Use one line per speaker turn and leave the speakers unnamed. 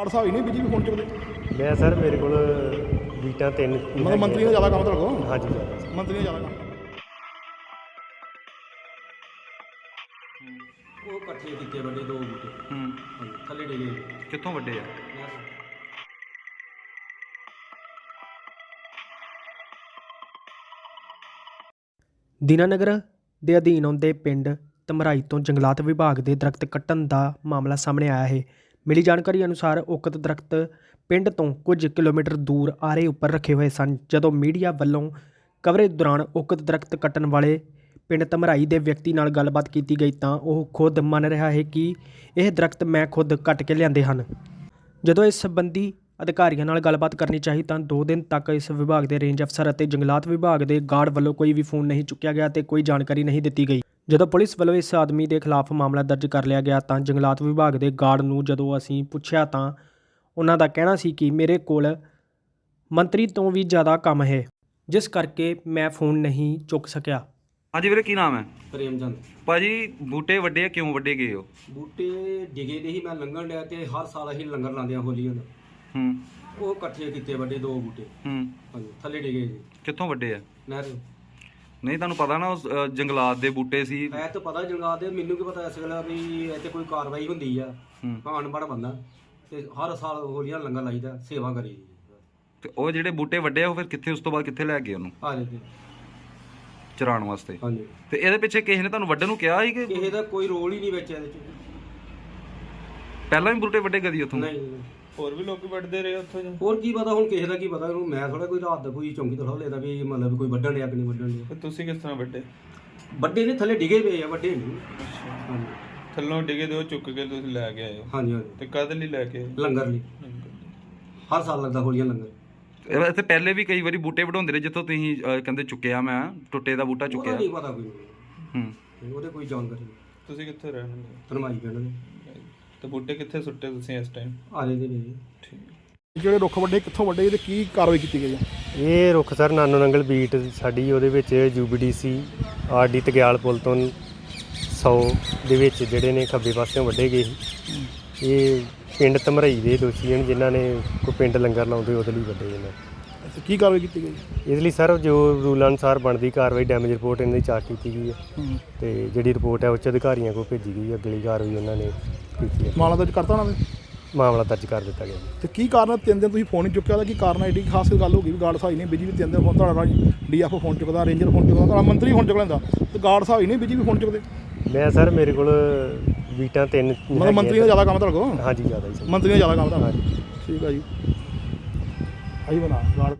Guard ਸਾਹਿਬ ਹੀ ਨਹੀਂ BJP phone ਚੁੱਕਦੇ।
ਮੈਂ ਸਰ ਮੇਰੇ ਕੋਲ ਬੀਟਾਂ 3
ਮਤਲਬ ਮੰਤਰੀ ਦਾ ਜ਼ਿਆਦਾ ਕੰਮ ਤੁਹਾਡੇ ਕੋਲ?
ਹਾਂਜੀ ਜ਼ਿਆਦਾ
ਮੰਤਰੀ ਦਾ ਜ਼ਿਆਦਾ ਕੰਮ।
ਉਹ ਇਕੱਠੇ ਕੀਤੇ ਵੱਡੇ 2 ਬੂਟੇ ਹਾਂਜੀ ਥੱਲੇ ਡਿੱਗੇ।
ਕਿੱਥੋਂ ਵੱਡੇ ਆ?
ਦੀਨਾਨਗਰ ਦੇ ਅਧੀਨ ਆਉਂਦੇ ਪਿੰਡ ਧਮਰਾਈ ਤੋਂ ਜੰਗਲਾਤ ਵਿਭਾਗ ਦੇ ਦਰਖਤ ਕੱਟਣ ਦਾ ਮਾਮਲਾ ਸਾਹਮਣੇ ਆਇਆ ਹੈ। ਮਿਲੀ ਜਾਣਕਾਰੀ ਅਨੁਸਾਰ ਉਕਤ ਦਰਖਤ ਪਿੰਡ ਤੋਂ ਕੁਝ ਕਿਲੋਮੀਟਰ ਦੂਰ ਆਰੇ ਉੱਪਰ ਰੱਖੇ ਹੋਏ ਸਨ। ਜਦੋਂ ਮੀਡੀਆ ਵੱਲੋਂ ਕਵਰੇਜ ਦੌਰਾਨ ਉਕਤ ਦਰਖਤ ਕੱਟਣ ਵਾਲੇ ਪਿੰਡ ਧਮਰਾਈ ਦੇ ਵਿਅਕਤੀ ਨਾਲ ਗੱਲਬਾਤ ਕੀਤੀ ਗਈ ਤਾਂ ਉਹ ਖੁਦ ਮੰਨ ਰਿਹਾ ਹੈ ਕਿ ਇਹ ਦਰਖਤ ਮੈਂ ਖੁਦ ਕੱਟ ਕੇ ਲਿਆਂਦੇ ਹਨ। ਜਦੋਂ ਇਸ ਸੰਬੰਧੀ ਅਧਿਕਾਰੀਆਂ ਨਾਲ ਗੱਲਬਾਤ ਕਰਨੀ ਚਾਹੀ ਤਾਂ 2 ਦਿਨ ਤੱਕ ਇਸ ਵਿਭਾਗ ਦੇ ਰੇਂਜ ਅਫਸਰ ਅਤੇ ਜੰਗਲਾਤ ਵਿਭਾਗ ਦੇ ਗਾਰਡ ਵੱਲੋਂ ਕੋਈ ਵੀ ਫੋਨ ਨਹੀਂ ਚੁੱਕਿਆ ਗਿਆ ਤੇ ਕੋਈ ਜਾਣਕਾਰੀ ਨਹੀਂ ਦਿੱਤੀ ਗਈ। ਜਦੋਂ ਪੁਲਿਸ ਵੱਲੋਂ ਇਸ ਆਦਮੀ ਦੇ ਖਿਲਾਫ ਮਾਮਲਾ ਦਰਜ ਕਰ ਲਿਆ ਗਿਆ ਤਾਂ ਜੰਗਲਾਤ ਵਿਭਾਗ ਦੇ ਗਾਰਡ ਨੂੰ ਜਦੋਂ ਅਸੀਂ ਪੁੱਛਿਆ ਤਾਂ ਉਹਨਾਂ ਦਾ ਕਹਿਣਾ ਸੀ ਕਿ ਮੇਰੇ ਕੋਲ ਮੰਤਰੀ ਤੋਂ ਵੀ ਜ਼ਿਆਦਾ ਕੰਮ ਹੈ, ਜਿਸ ਕਰਕੇ ਮੈਂ ਫੋਨ ਨਹੀਂ ਚੁੱਕ ਸਕਿਆ।
ਹਾਂਜੀ ਵੀਰੇ, ਕੀ ਨਾਮ ਹੈ?
ਪ੍ਰੇਮ ਚੰਦ।
ਭਾਜੀ ਬੂਟੇ ਵੱਡੇ ਆ, ਕਿਉਂ ਵੱਡੇ ਗਏ ਹੋ?
ਬੂਟੇ ਡਿਗੇ ਦੇ ਹੀ ਮੈਂ ਲੰਘਣ ਡਿਆ ਤੇ ਹਰ ਸਾਲ ਅਸੀਂ ਲੰਗਰ ਲਾਉਂਦੇ ਆ ਹੋਲੀਆਂ ਦਾ। ਉਹ ਇਕੱਠੇ ਕੀਤੇ ਵੱਡੇ 2 ਬੂਟੇ ਹਾਂਜੀ ਥੱਲੇ ਡਿਗੇ ਜੀ।
ਕਿੱਥੋਂ ਵੱਡੇ ਆ?
ਨਹਿਰ।
ਨਹੀਂ ਤੁਹਾਨੂੰ ਪਤਾ ਨਾ ਉਸ ਜੰਗਲਾਤ ਦੇ ਬੂਟੇ ਸੀ।
ਮੈਂ ਤਾਂ ਪਤਾ ਜੰਗਲਾਤ ਦੇ, ਮੈਨੂੰ ਕੀ ਪਤਾ ਇਸ ਗੱਲ ਵੀ ਇੱਥੇ ਕੋਈ ਕਾਰਵਾਈ ਹੁੰਦੀ ਆ। ਮੈਂ ਅਨਪੜ੍ਹ ਬੰਦਾ ਤੇ ਹਰ ਸਾਲ ਹੋਲੀਆਂ ਲੰਗਰ ਲਾਈਦਾ, ਸੇਵਾ ਕਰੀ।
ਤੇ ਉਹ ਜਿਹੜੇ ਬੂਟੇ ਵੱਡੇ ਆ ਉਹ ਫਿਰ ਕਿੱਥੇ, ਉਸ ਤੋਂ ਬਾਅਦ ਕਿੱਥੇ ਲੈ ਗਏ ਉਹਨੂੰ?
ਆ ਜਾਂਦੇ
ਚਰਾਉਣ ਵਾਸਤੇ।
ਹਾਂਜੀ।
ਤੇ ਇਹਦੇ ਪਿੱਛੇ ਕਿਸੇ ਨੇ ਤੁਹਾਨੂੰ ਵੱਢਣ ਨੂੰ ਕਿਹਾ ਸੀ ਕਿ
ਕਿਸੇ ਦਾ ਕੋਈ ਰੋਲ ਹੀ ਨਹੀਂ ਵਿੱਚ ਇਹਦੇ ਚ?
ਪਹਿਲਾਂ ਵੀ ਬੂਟੇ ਵੱਡੇ ਕਦੀ ਉੱਥੋਂ?
ਨਹੀਂ।
ਹੋਰ ਵੀ ਲੋਕੀ ਵੱਢਦੇ ਰਹੇ ਉੱਥੋਂ?
ਹੋਰ ਕੀ ਪਤਾ ਹੁਣ ਕਿਸੇ ਦਾ ਕੀ ਪਤਾ ਉਹਨੂੰ। ਮੈਂ ਥੋੜਾ ਕੋਈ ਰਾਤ ਦਾ ਕੋਈ ਚੌਂਕੀ ਤੋਂ ਲੈਦਾ ਵੀ ਮਤਲਬ ਕੋਈ ਵੱਢਣ ਡਿਆ ਕਿ ਨਹੀਂ ਵੱਢਣ ਡਿਆ।
ਤੇ ਤੁਸੀਂ ਕਿਸ ਤਰ੍ਹਾਂ ਵੱਡੇ?
ਵੱਡੇ ਨੇ ਥੱਲੇ ਡਿਗੇ ਪਏ ਆ, ਵੱਡੇ ਨਹੀਂ। ਹਾਂਜੀ
ਥੱਲੋਂ ਡਿਗੇ ਦੇ ਉਹ ਚੁੱਕ ਕੇ ਤੁਸੀਂ ਲੈ ਕੇ ਆਏ ਹੋ?
ਹਾਂਜੀ ਹਾਂਜੀ।
ਤੇ ਕਦ ਲਈ ਲੈ ਕੇ ਆਏ?
ਲੰਗਰ ਲਈ ਹਰ ਸਾਲ ਲੱਗਦਾ ਹੋਲੀਆਂ ਲੰਗਰ।
ਇੱਥੇ ਪਹਿਲੇ ਵੀ ਕਈ ਵਾਰੀ ਬੂਟੇ ਵਢਾਉਂਦੇ ਰਹੇ ਜਿੱਥੋਂ ਤੁਸੀਂ ਕਹਿੰਦੇ ਚੁੱਕਿਆ, ਮੈਂ ਟੁੱਟੇ ਦਾ ਬੂਟਾ ਚੁੱਕਿਆ।
ਨਹੀਂ ਪਤਾ ਕੋਈ ਉਹਦੇ ਕੋਈ ਜਾਣਕਾਰੀ ਨਹੀਂ।
ਤੁਸੀਂ ਕਿੱਥੇ ਰਹਿਣ ਦੇ?
ਧਰਮਾਈ ਪਿੰਡ ਦੇ।
ਤੇ ਬੂਟੇ ਕਿੱਥੇ ਸੁੱਟੇ ਤੁਸੀਂ ਇਸ ਟਾਈਮ?
ਆ ਜਾਂਦੇ ਨੇ ਜੀ।
ਠੀਕ।
ਜਿਹੜੇ ਰੁੱਖ ਵੱਡੇ ਕਿੱਥੋਂ ਵੱਡੇ ਤੇ ਕੀ ਕਾਰਵਾਈ ਕੀਤੀ ਗਈ ਹੈ?
ਇਹ ਰੁੱਖ ਸਰ ਨਾਨੋ ਨੰਗਲ ਬੀਟ ਸਾਡੀ ਉਹਦੇ ਵਿੱਚ UBDC RD ਤਗਿਆਲ ਪੁਲ ਤੋਂ 100 ਦੇ ਵਿੱਚ ਜਿਹੜੇ ਨੇ ਖੱਬੇ ਪਾਸਿਓਂ ਵੱਢੇ ਗਏ ਸੀ। ਇਹ ਪਿੰਡ ਧਮਰਾਈ ਦੇ ਦੋਸ਼ੀ ਹਨ ਜਿਨ੍ਹਾਂ ਨੇ ਕੋਈ ਪਿੰਡ ਲੰਗਰ ਲਾਉਂਦੇ ਉਹਦੇ ਲਈ ਵੱਢੇ ਨੇ।
ਕੀ ਕਾਰਵਾਈ ਕੀਤੀ ਗਈ?
ਇਸ ਲਈ ਸਰ ਜੋ ਰੂਲ ਅਨੁਸਾਰ ਬਣਦੀ ਕਾਰਵਾਈ ਡੈਮੇਜ ਰਿਪੋਰਟ ਇਹਨਾਂ ਦੀ ਚਾਰਟ ਕੀਤੀ ਗਈ ਹੈ ਤੇ ਜਿਹੜੀ ਰਿਪੋਰਟ ਹੈ ਉੱਚ ਅਧਿਕਾਰੀਆਂ ਕੋਲ ਭੇਜੀ ਗਈ ਹੈ। ਅਗਲੀ ਕਾਰਵਾਈ ਉਹਨਾਂ ਨੇ ਕੀਤੀ ਹੈ।
ਮਾਮਲਾ ਦਰਜ ਕਰਤਾ ਉਹਨਾਂ ਨੇ?
ਮਾਮਲਾ ਦਰਜ ਕਰ ਦਿੱਤਾ ਗਿਆ।
ਤੇ ਕੀ ਕਾਰਨ 3 ਦਿਨ ਤੁਸੀਂ ਫੋਨ ਨਹੀਂ ਚੁੱਕਿਆ? ਉਹਦਾ ਕੀ ਕਾਰਨ ਹੈ? ਐਡੀ ਖਾਸ ਗੱਲ ਹੋ ਗਈ ਵੀ ਗਾਰਡ ਸਾਹਿਬ ਹੀ ਨਹੀਂ ਬੀਜੇਪੀ 3 ਦਿਨ ਫੋਨ ਤੁਹਾਡਾ DFO ਫੋਨ ਚੁੱਕਦਾ, ਰੇਂਜਰ ਫੋਨ ਚੁੱਕਦਾ, ਤੁਹਾਡਾ ਮੰਤਰੀ ਫੋਨ ਚੁੱਕ ਲੈਂਦਾ ਤੇ ਗਾਰਡ ਸਾਹਿਬ ਹੀ ਨਹੀਂ ਬੀਜੇਪੀ ਫੋਨ ਚੁੱਕਦੇ।
ਮੈਂ ਸਰ ਮੇਰੇ ਕੋਲ ਬੀਟਾਂ 3
ਮਤਲਬ ਮੰਤਰੀ ਦਾ ਜ਼ਿਆਦਾ ਕੰਮ ਤੁਹਾਡੇ ਕੋਲ?
ਹਾਂਜੀ ਜ਼ਿਆਦਾ ਜੀ।
ਮੰਤਰੀ ਦਾ ਜ਼ਿਆਦਾ ਕੰਮ ਤੁਹਾਡਾ? ਠੀਕ ਆ ਜੀ। ਆਹੀ ਬਣਾ ਗਾਰਡ।